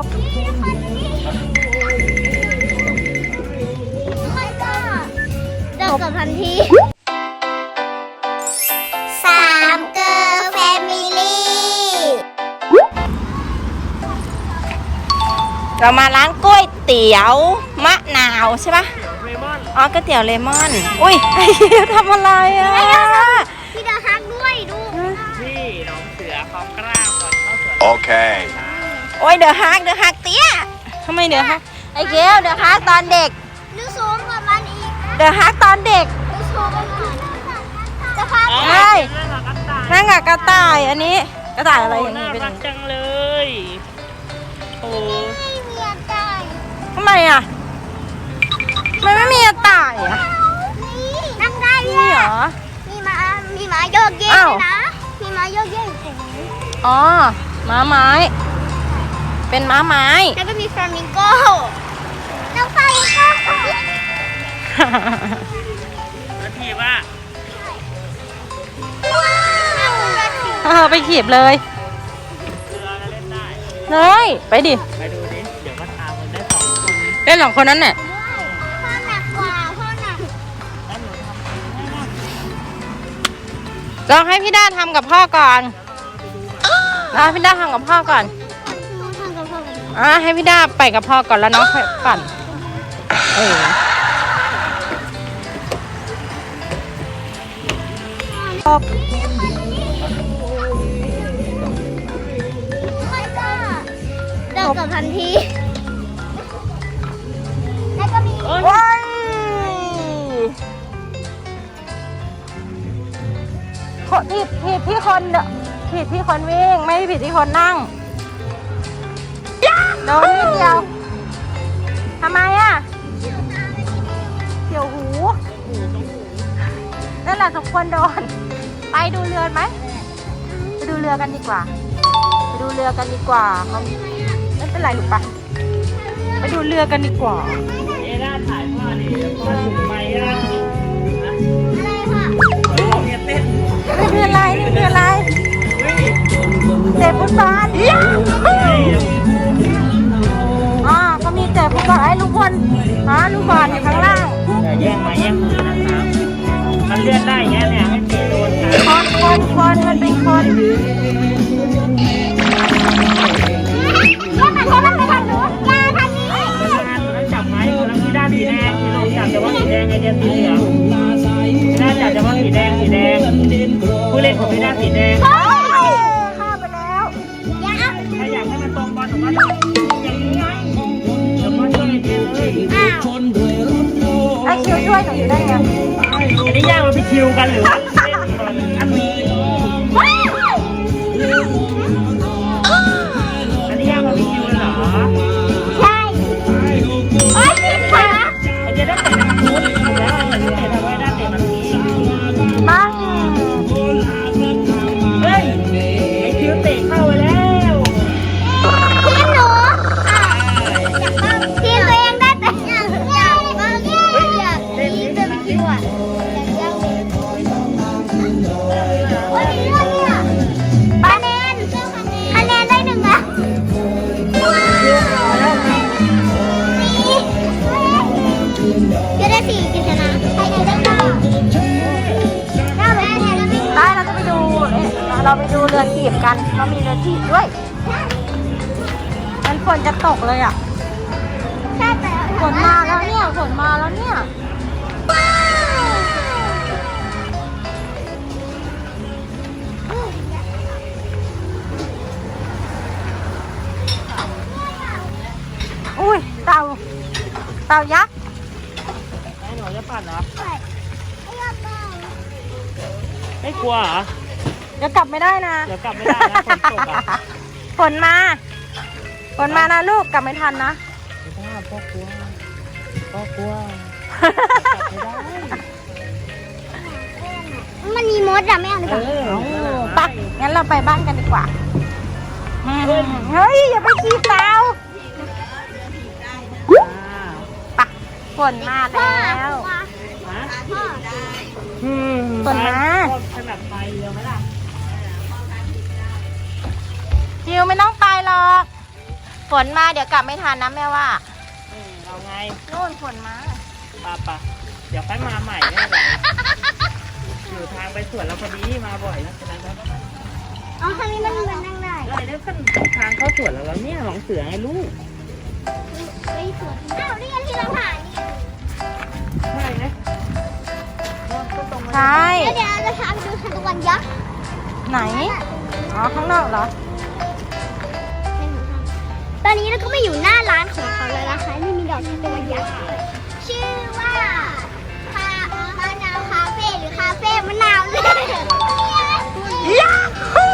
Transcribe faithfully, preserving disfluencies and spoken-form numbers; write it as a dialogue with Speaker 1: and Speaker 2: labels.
Speaker 1: บ
Speaker 2: ไม่ก็เดินกับพันทีสามเกอร์แฟมิลี่
Speaker 1: เรามาร้านก๋วยเตี๋ยวมะนาวใช่ปะอ๋อก๋วยเตี๋ยวเลมอนอุ้ยไอ้เหี้ยทำอะไรอ่ะ
Speaker 2: พี่เดอะฮักด้วยดู
Speaker 3: ที่น้องเสือเขากล้าก่อนเข้าสวน
Speaker 4: โอเค
Speaker 1: โอ้ยเดอะฮักเดอะฮักเตี้ยทำไมเดอะฮักไอ้เกลเดอะฮักตอนเด็ก
Speaker 2: ดูสูงกว่ามันอีก
Speaker 1: เดอะฮักตอนเด็ก
Speaker 2: ดูสูงกว่ามันจะพาไป
Speaker 1: ใช่นั่งกับกระต่ายอันนี้กระต่ายอะไรอย่างนี้
Speaker 3: นี้
Speaker 1: เป็น
Speaker 3: รักจังเลยโอ้
Speaker 2: ไม่มีอะไร
Speaker 1: ทำไมอ่ะมันไม่มีกระต่ายอ่ะ
Speaker 2: นั่งได้
Speaker 1: นี่เหรอ
Speaker 2: มีม้ามีม้าโยกเยกนะมีม้าโยกเยกอยู่ตรงนี้
Speaker 1: อ๋อม้าไม้เป็นม้าไม้
Speaker 2: แล้วก็มีฟลามิงโก้น้องฟลามิงโก้
Speaker 3: แล้วทีว่า
Speaker 1: เออไปขีบเลย
Speaker 3: เรือก็เล่นได้
Speaker 1: เลยไปดิ
Speaker 3: ไปดูดิเดี๋ยวก็ตามมันได้สองคน
Speaker 1: เล่นสองคนนั้นเนี่ย
Speaker 2: พ่อหนักกว่าพ่อหนัก
Speaker 3: แล้วหนูทำให้นะ
Speaker 1: ลองให้พี่ด้าทำกับพ่อก่อนลองให้พี่ด้าทำกับพ่อก่อนอ่ะให้พี่ด้าไปกับพ่อก่อนแล้วน้องค่อยปั่นเออ
Speaker 2: ไม่ก็เดินกับพันทีแล้วก็มี
Speaker 1: ว้ายผิดผิดที่คนผิดที่คนวิ่งไม่ได้ผิดที่คนนั่งโดนนิดเดียวทำไมอ่ะเกี่ยวหูนั่นแหละทุกคนโดนไปดูเรือไหมไปดูเรือกันดีกว่าไปดูเรือกันดีกว่าเขาไม่เป็นไรหรือปะไปดูเรือกันดีกว่า
Speaker 3: เอด้าถ่ายพ่อดิพ่อถึงไปอ่ะ
Speaker 2: อะไรค่ะ
Speaker 3: เราเนี่ยเต้น
Speaker 1: นี่คืออะไรนี่คืออะไรเตะฟุตบอลอ๋อก็มีเตะฟุตบอลไอ้ลูกบอลอ๋อลูกบอลอยู่ข้างล่าง
Speaker 3: อย่าแย่งมาแย่งมือนะครับมันเลื่อนได้อย่างเงี้ยเนี่ยให้ตีโดนกัน
Speaker 1: คนคนคนมันเป็นคน
Speaker 2: แล้วมันใช้มันไปทางนู้นยาทางนี้
Speaker 3: ตัวนั้นจับไม้ตัวนั้นที่ด้านสีแดงที่ลงจับแต่ว่าสีแดงไอเดียสีเหลืองที่ด้านจับแต่ว่าสีแดงสีแดงผู้เล่นของพี่ด้านสีแดง
Speaker 1: ข้าไปแล้ว
Speaker 2: ยา
Speaker 3: ถ้าอยากให้มันตรงบอลผมว่าอย่างนี้ไงเดี๋ยวพ่อช่วยเองเลย
Speaker 2: อ้าว
Speaker 1: ไอ้คิวช่วยหนูอยู่ได้ไง
Speaker 3: อันนี้ย่างมันไปคิวกันหรือว่าเล่นก่อนอันนี้อันนี้ย่างมันไปคิวกันเหรอ
Speaker 2: ใช่โอ๊ยผิดขา
Speaker 3: ไอเดียได้เตะทางนู้นแล้วอันนี้เตะทางไว้ด้านเตะมันนี้
Speaker 1: บ้าง
Speaker 3: เฮ้ยไอคิวเตะเข้าไปแล้ว
Speaker 2: ทีมหนูอ่ะทีมตัวเองได้แต่อยากอยากอยากทีมจะไปคิวอ่ะอยากอยากโอ้ยนี่เนี่ยคะแนนคะแนนได้หนึ่งอ่ะจะได้สี่กิจนะใครได้เก้าเก้าเลยเนี่ยแล้วไม่
Speaker 1: ได้เราจะไปดูเอ๊ะเราไปดูเรือขีบกันเรามีเรือขีบด้วยมันฝนจะตกเลยอ่ะ
Speaker 2: ใช่แต่
Speaker 1: ฝนมาแล้วเนี่ยฝนมาแล้วเนี่ยอุ้ยเต่าเต่ายักษ์
Speaker 3: ไอ้หนูจะปั่นเหรอ
Speaker 2: ไม่ยอมไป
Speaker 3: ไม่กลัวเหรอ
Speaker 1: เดี๋ยวกลับไม่ได้นะ
Speaker 3: เดี๋ยวกลับไม่ได้นะฝนตกอ่ะ
Speaker 1: ฝนมาฝนมานะลูกกลับไม่ทันนะ
Speaker 3: ไม่ได้พ่อกลัวพ่อกลัวไม่ได้
Speaker 2: มันมีมดอะไม่เอาเลย
Speaker 3: เอ
Speaker 2: ค่ะ
Speaker 3: อ
Speaker 1: ไปงั้นเราไปบ้านกันดีกว่าเฮ้ยอย่าไปขี่เต่าไปฝนมา
Speaker 2: พ่อ
Speaker 1: แล้ว
Speaker 2: พ่อ
Speaker 1: ฝนมา
Speaker 3: ขนาดไปเรือไหมล่ะ
Speaker 1: จิวไม่ต้องไปหรอกฝฝนมาเดี๋ยวกลับไม่ทันนะแม่ว่า
Speaker 3: อืมเอาไง
Speaker 1: นู่นฝนมา
Speaker 3: ปะปะเดี๋ยวค่อยมาใหม่ไม่เป็นไรอยู่ทางไปสวนเราพอดีมาบ่อยนะฉะนั้นครับ
Speaker 2: อ๋อทางนี้มันมันนั่งได้
Speaker 3: เลยแล้วกันทางเข้าสวนเราแล้วเนี่ยหลงเสือไงลูก
Speaker 2: ไปสวนอ้าวนี่ไงที่เราผ่านนี่
Speaker 3: ใช่ไหมก็ตรงมา
Speaker 1: ใช่
Speaker 2: เดี๋ยวเดี๋ยวเราพาไปดูทานตะวันยักษ์
Speaker 1: ไหน อ๋อ ข้างนอกเหรอ
Speaker 2: ตอนนี้เราก็มาอยู่หน้าร้านของเขาแล้วนะคะนี่มีดอกทานตะวันยักษ์ด้วยชื่อว่าคามะนาวคาเฟ่หรือคาเฟ่มะนาวเลย
Speaker 1: ยาฮู